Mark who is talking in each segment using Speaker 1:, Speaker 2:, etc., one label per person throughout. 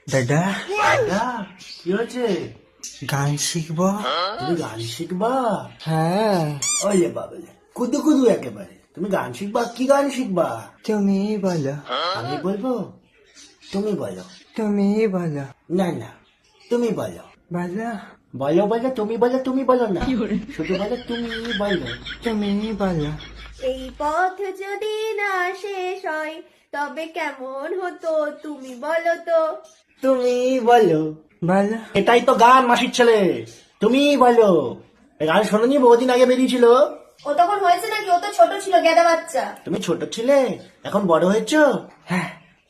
Speaker 1: দাদা
Speaker 2: দাদা, কি হয়েছে?
Speaker 1: গান শিখবো।
Speaker 2: তুমি গান শিখবা?
Speaker 1: হ্যাঁ,
Speaker 2: ওলে বাবলে, কুদু কুদু একেবারে। তুমি গান শিখবা? কি গান শিখবা?
Speaker 1: তুমি বলো,
Speaker 2: আমি বলবো? তুমি বলো।
Speaker 1: তুমি বলো,
Speaker 2: না না, তুমি বলো।
Speaker 1: বলো,
Speaker 2: বলো বলো, তুমি বলো, তুমি বলো না, শুধু বলো তুমি বলো।
Speaker 1: তুমি বলো।
Speaker 3: এই পথ যদি না শেষ হয় তবে কেমন হতো তুমি বলো তো।
Speaker 2: তুমি বলো।
Speaker 1: বলো,
Speaker 2: এটাই তো গান, মাসির ছেলে। তুমি বলো। এই গান শোনোনি? বহুদিন আগে বেরিয়েছিল।
Speaker 3: ও তখন হয়েছে নাকি? ও তো ছোট ছিল, গেদা বাচ্চা।
Speaker 2: তুমি ছোট ছিলে, এখন বড় হয়েছো।
Speaker 1: হ্যাঁ,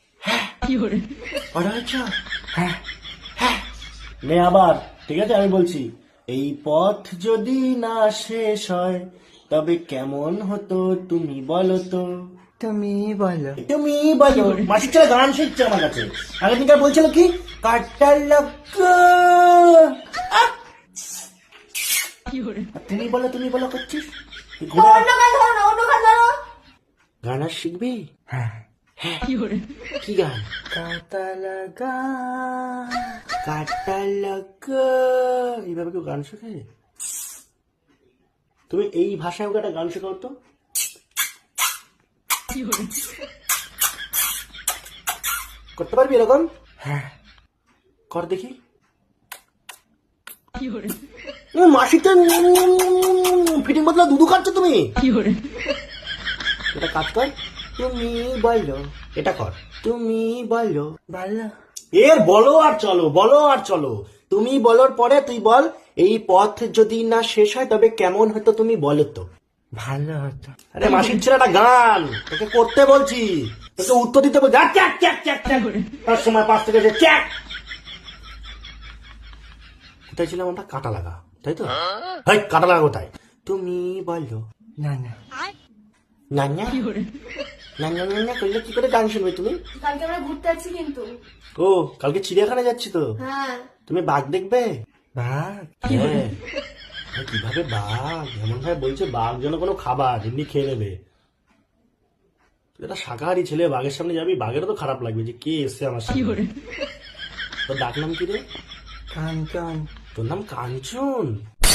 Speaker 2: বড় হয়েছো।
Speaker 1: হ্যাঁ,
Speaker 2: হ্যাঁ। নে আবার, ঠিক আছে, আমি বলছি। এই পথ যদি না শেষ হয় তবে কেমন হতো তুমি বলো তো।
Speaker 1: তুমি বলো।
Speaker 2: তুমি বলো। মাসির ছেলে গান শিখছে আমার কাছে। আগের দিনকার বলছিল কি, কাটার লোক। তুমি বলো, তুমি বলো করছিস। এই ঘোড়া-
Speaker 3: অন্য গান ধরো না, অন্য গান ধরো।
Speaker 2: গান আর শিখবি?
Speaker 1: হ্যাঁ,
Speaker 2: কি গান?
Speaker 1: কাটা লাগা।
Speaker 2: কাটা লোক। এইভাবে কেউ গান শেখে? তুমি এই ভাষায় ওকে একটা গান শেখাও তো। করতে পারবি এরকম?
Speaker 1: হ্যাঁ,
Speaker 2: কর দেখি। মাসিতে ফিটিং বদলা দুধু খাচ্ছ তুমি। এটা কাজ কর। তুমি বলো। এটা কর। তুমি বলো।
Speaker 1: বলো,
Speaker 2: এর বলো আর চলো, বলো আর চলো। তুমি বলার পরে তুই বল, এই পথ যদি না শেষ হয় তবে কেমন হতো তুমি বলো তো।
Speaker 1: ভালো হতো।
Speaker 2: আরে মাসির ছেলেটা গান তোকে করতে বলছি, তোকে উত্তর দিতে বলছি। আর চ্যাক চ্যাক চ্যাক চ্যাক, তার সময় পাশ থেকে যে চ্যাক। কোথায় ছিলাম আমরা? কাটা লাগা, তাই তো? হাই, কাটা লাগা কোথায়? তুমি বলো।
Speaker 1: না না,
Speaker 2: না না, না না, না না করলে কি করে গান শুনবে তুমি?
Speaker 3: কালকে আমরা ঘুরতে যাচ্ছি কিন্তু।
Speaker 2: ও, কালকে চিড়িয়াখানা যাচ্ছি তো।
Speaker 3: হ্যাঁ,
Speaker 2: তুমি বাঘ দেখবে?
Speaker 1: বাঘ।
Speaker 2: হ্যাঁ। আরে কিভাবে বাঘ এমন ভাবে বলছে, বাঘ যেন কোনো খাবার এমনি খেয়ে নেবে। তুই একটা শাকাহারি ছেলে, বাঘের সামনে যাবি, বাঘেরও তো খারাপ লাগবে যে কে এসছে আমার সামনে। তোর ডাক নাম কি রে?
Speaker 1: কাঞ্চন।
Speaker 2: তোর নাম কাঞ্চন?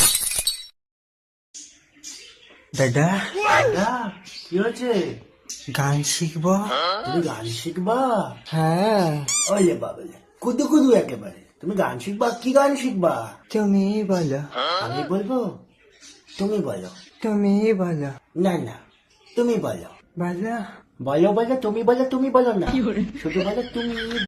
Speaker 1: দাদা
Speaker 2: দাদা, কি হয়েছে?
Speaker 1: গান শিখবো।
Speaker 2: তুমি গান শিখবা?
Speaker 1: হ্যাঁ,
Speaker 2: ওলে বাবলে, কুদু কুদু একেবারে। তুমি গান শিখবা? কি গান শিখবা?
Speaker 1: তুমি বলো,
Speaker 2: আমি বলবো? তুমি বলো।
Speaker 1: তুমি বলো,
Speaker 2: না না, তুমি বলো।
Speaker 1: বলো,
Speaker 2: বলো বলো, তুমি বলো, তুমি বলো না, শুধু বলো তুমি